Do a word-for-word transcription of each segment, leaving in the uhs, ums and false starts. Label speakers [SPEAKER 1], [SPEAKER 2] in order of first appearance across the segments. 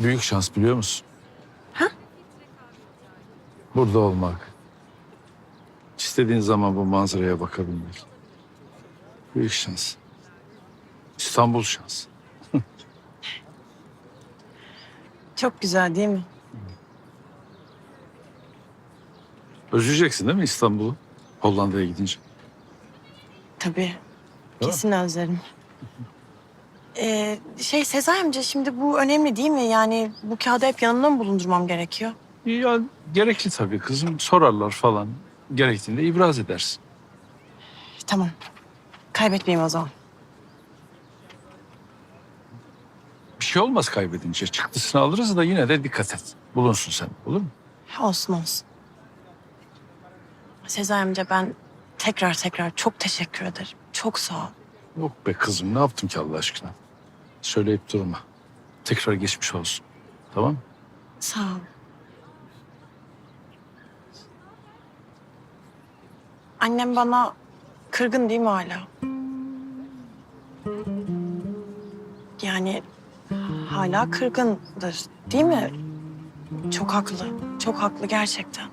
[SPEAKER 1] Büyük şans biliyor musun?
[SPEAKER 2] Ha?
[SPEAKER 1] Burada olmak. İstediğin zaman bu manzaraya bakabilmek. Büyük şans. İstanbul şans.
[SPEAKER 2] Çok güzel değil mi?
[SPEAKER 1] Özleyeceksin değil mi İstanbul'u? Hollanda'ya gidince.
[SPEAKER 2] Tabii. Kesin özlerim. Ee, şey Sezai amca, şimdi bu önemli değil mi? Yani bu kağıdı hep yanımda mı bulundurmam gerekiyor?
[SPEAKER 1] Ya gerekli tabii kızım. Sorarlar falan. Gerektiğinde ibraz edersin.
[SPEAKER 2] Tamam. Kaybetmeyeyim o zaman.
[SPEAKER 1] Bir şey olmaz kaybedince. Çıktısını alırız da yine de dikkat et. Bulunsun sen. Olur mu?
[SPEAKER 2] Olsun olsun. Sezai amca, ben tekrar tekrar çok teşekkür ederim. Çok sağ ol.
[SPEAKER 1] Yok be kızım. Ne yaptım ki Allah aşkına? Söyleyip durma. Tekrar geçmiş olsun. Tamam mı?
[SPEAKER 2] Sağ ol. Annem bana kırgın değil mi hala? Yani hala kırgındır değil mi? Çok haklı. Çok haklı gerçekten.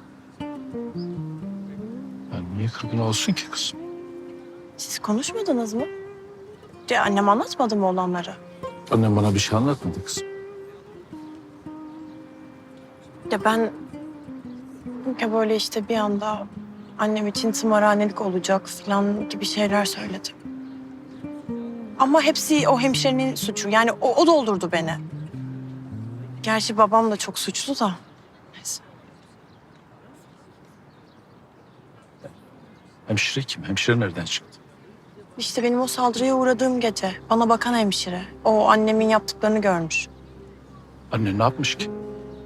[SPEAKER 1] Yani niye kırgın olsun ki kızım?
[SPEAKER 2] Siz konuşmadınız mı? De annem anlatmadı mı olanları?
[SPEAKER 1] Annem bana bir şey anlatmadı kızım.
[SPEAKER 2] Ya ben ya böyle işte bir anda annem için tımarhanelik olacak falan gibi şeyler söyledim. Ama hepsi o hemşirenin suçu. Yani o, o doldurdu beni. Gerçi babam da çok suçlu da. Neyse.
[SPEAKER 1] Hemşire kim? Hemşire nereden çıktı?
[SPEAKER 2] İşte benim o saldırıya uğradığım gece bana bakan hemşire. O annemin yaptıklarını görmüş.
[SPEAKER 1] Anne ne yapmış ki?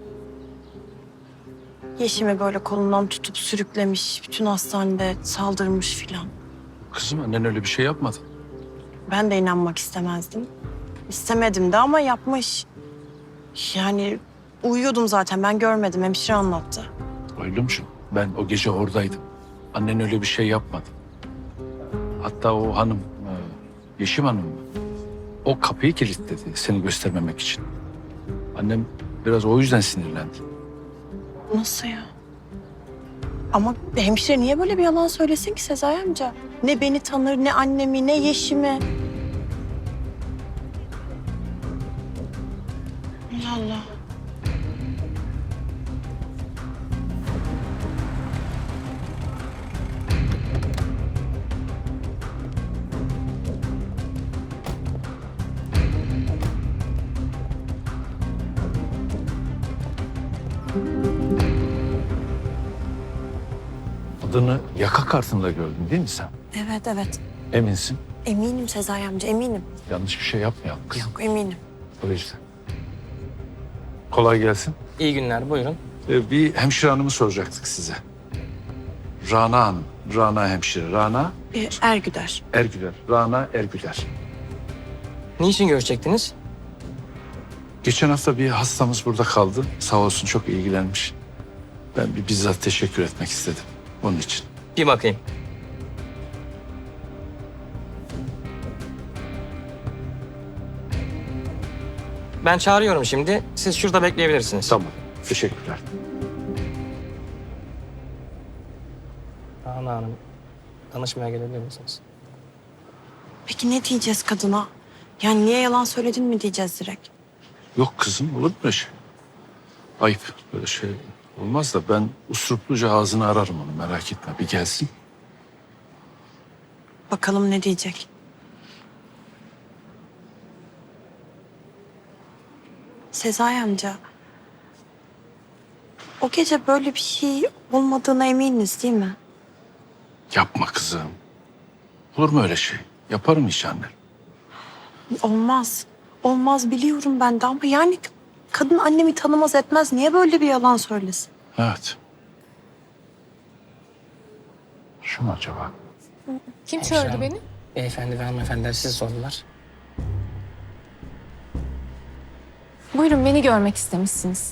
[SPEAKER 2] Yeşim'i böyle kolundan tutup sürüklemiş. Bütün hastanede saldırmış filan.
[SPEAKER 1] Kızım annen öyle bir şey yapmadı.
[SPEAKER 2] Ben de inanmak istemezdim. İstemedim de ama yapmış. Yani uyuyordum zaten, ben görmedim, hemşire anlattı.
[SPEAKER 1] Oylumcuğum ben o gece oradaydım. Annen öyle bir şey yapmadı. Hatta o hanım, e, Yeşim Hanım mı? O kapıyı kilitledi seni göstermemek için. Annem biraz o yüzden sinirlendi.
[SPEAKER 2] Nasıl ya? Ama hemşire niye böyle bir yalan söylesin ki Sezai amca? Ne beni tanır, ne annemi, ne Yeşim'i. Allah Allah.
[SPEAKER 1] Adını yaka kartında gördün değil mi sen?
[SPEAKER 2] Evet evet.
[SPEAKER 1] Eminsin.
[SPEAKER 2] Eminim Sezai amca, eminim.
[SPEAKER 1] Yanlış bir şey yapmayalım kız.
[SPEAKER 2] Yok, eminim.
[SPEAKER 1] O yüzden. Kolay gelsin.
[SPEAKER 3] İyi günler, buyurun.
[SPEAKER 1] Ee, bir hemşire hanımı soracaktık size. Rana Hanım. Rana hemşire. Rana
[SPEAKER 2] Ee, Ergüder.
[SPEAKER 1] Ergüler. Rana Ergüler.
[SPEAKER 3] Niçin görüşecektiniz?
[SPEAKER 1] Geçen hafta bir hastamız burada kaldı. Sağ olsun çok ilgilenmiş. Ben bir bizzat teşekkür etmek istedim. Onun için.
[SPEAKER 3] Bir bakayım. Ben çağırıyorum şimdi. Siz şurada bekleyebilirsiniz.
[SPEAKER 1] Tamam. Teşekkürler.
[SPEAKER 3] Rana Hanım, danışmaya gelebilir misiniz?
[SPEAKER 2] Peki ne diyeceğiz kadına? Yani niye yalan söyledin mi diyeceğiz direkt?
[SPEAKER 1] Yok kızım olur mu böyle şey? Ayıp böyle şey olmaz da ben usurupluca ağzını ararım onu merak etme. Bir gelsin.
[SPEAKER 2] Bakalım ne diyecek? Sezai amca, o gece böyle bir şey olmadığına eminiz değil mi?
[SPEAKER 1] Yapma kızım. Olur mu öyle şey? Yaparım hiç anne.
[SPEAKER 2] Olmaz. Olmaz biliyorum ben de ama yani kadın annemi tanımaz etmez. Niye böyle bir yalan söylesin?
[SPEAKER 1] Evet. Şu mu acaba?
[SPEAKER 4] Kim
[SPEAKER 3] Hemşire
[SPEAKER 4] çağırdı
[SPEAKER 3] hanım,
[SPEAKER 4] beni?
[SPEAKER 3] Beyefendi ve hanımefendiler sizi sordular.
[SPEAKER 4] Buyurun, beni görmek istemişsiniz.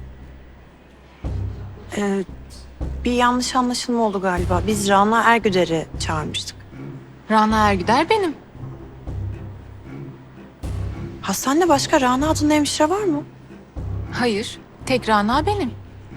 [SPEAKER 2] Ee, bir yanlış anlaşılma oldu galiba. Biz Rana Ergüder'i çağırmıştık.
[SPEAKER 4] Rana Ergüder benim.
[SPEAKER 2] Hastanede başka Rana adında hemşire var mı?
[SPEAKER 4] Hayır, tek Rana benim.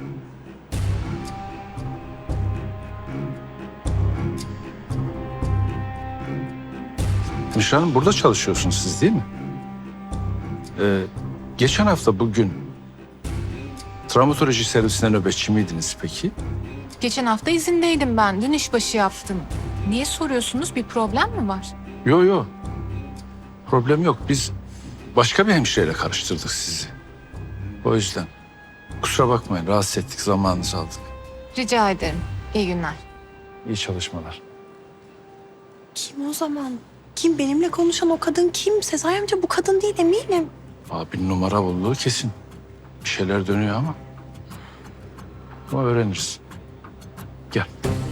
[SPEAKER 1] Gülşah Hanım, burada çalışıyorsunuz siz değil mi? Ee, geçen hafta bugün travmatoloji servisinde nöbetçi miydiniz peki?
[SPEAKER 4] Geçen hafta izindeydim ben. Dün işbaşı yaptım. Niye soruyorsunuz? Bir problem mi var?
[SPEAKER 1] Yok yok. Problem yok. Biz başka bir hemşireyle karıştırdık sizi. O yüzden. Kusura bakmayın, rahatsız ettik, zamanınızı aldık.
[SPEAKER 4] Rica ederim. İyi günler.
[SPEAKER 1] İyi çalışmalar.
[SPEAKER 2] Kim o zaman? Kim? Benimle konuşan o kadın kim? Sezai amca bu kadın değil eminim.
[SPEAKER 1] Abi numara olduğu kesin. Bir şeyler dönüyor ama. Ama öğreniriz. Gel.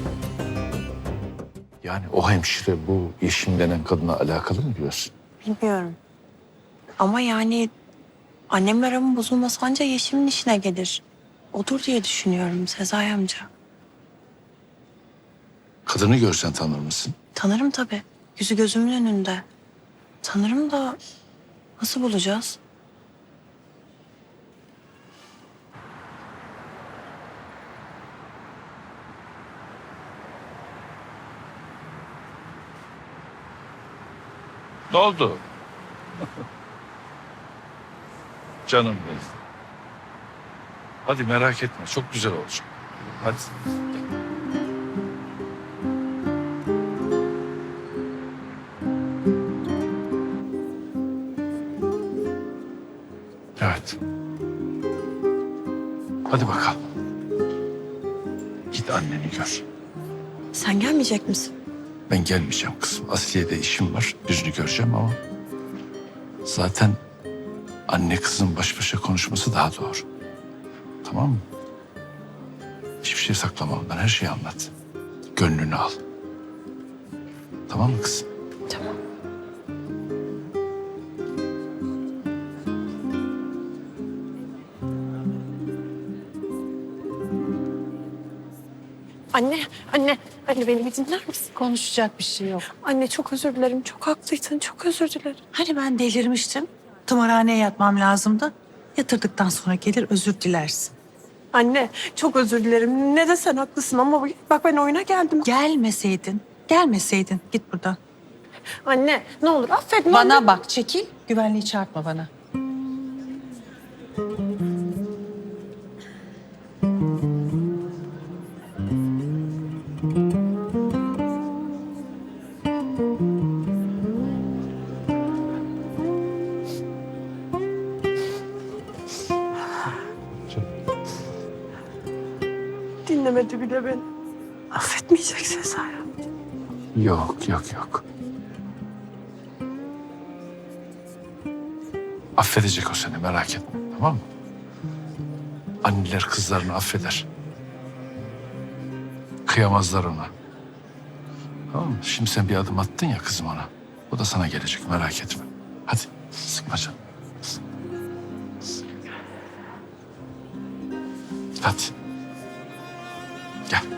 [SPEAKER 1] Yani o hemşire bu Yeşim denen kadına alakalı mı diyorsun?
[SPEAKER 2] Bilmiyorum. Ama yani annemle aramın bozulması anca Yeşim'in işine gelir. Odur diye düşünüyorum Sezai amca.
[SPEAKER 1] Kadını görsen tanır mısın?
[SPEAKER 2] Tanırım tabii. Yüzü gözümün önünde. Tanırım da nasıl bulacağız?
[SPEAKER 1] Ne oldu? Canım benim. Hadi merak etme, çok güzel olacak. Hadi. Evet. Hadi bakalım. Git anneni gör.
[SPEAKER 2] Sen gelmeyecek misin?
[SPEAKER 1] Ben gelmeyeceğim kızım. Asliye'de işim var. Yüzünü göreceğim ama... Zaten anne kızın baş başa konuşması daha doğru. Tamam mı? Hiçbir şey saklama ondan. Her şeyi anlat. Gönlünü al. Tamam mı kızım?
[SPEAKER 2] Tamam. Anne, anne, anne beni bir dinler misin?
[SPEAKER 5] Konuşacak bir şey yok.
[SPEAKER 2] Anne çok özür dilerim. Çok haklıydın. Çok özür dilerim.
[SPEAKER 5] Hani ben delirmiştim. Tımarhaneye yatmam lazımdı. Yatırdıktan sonra gelir özür dilersin.
[SPEAKER 2] Anne çok özür dilerim. Ne desen haklısın ama bak ben oyuna geldim.
[SPEAKER 5] Gelmeseydin, gelmeseydin git buradan.
[SPEAKER 2] Anne ne olur affet. ne
[SPEAKER 5] Bana
[SPEAKER 2] olur.
[SPEAKER 5] bak, çekil. Güvenliği çarpma bana.
[SPEAKER 2] Dinlemedi bile beni. Affetmeyecek Sezai.
[SPEAKER 1] Yok, yok, yok. Affedecek o seni, merak etme. Tamam mı? Anneler kızlarını affeder. Kıyamazlar ona. Tamam mı? Şimdi sen bir adım attın ya kızım ona. O da sana gelecek, merak etme. Hadi, sıkma canım. Hadi. Gel.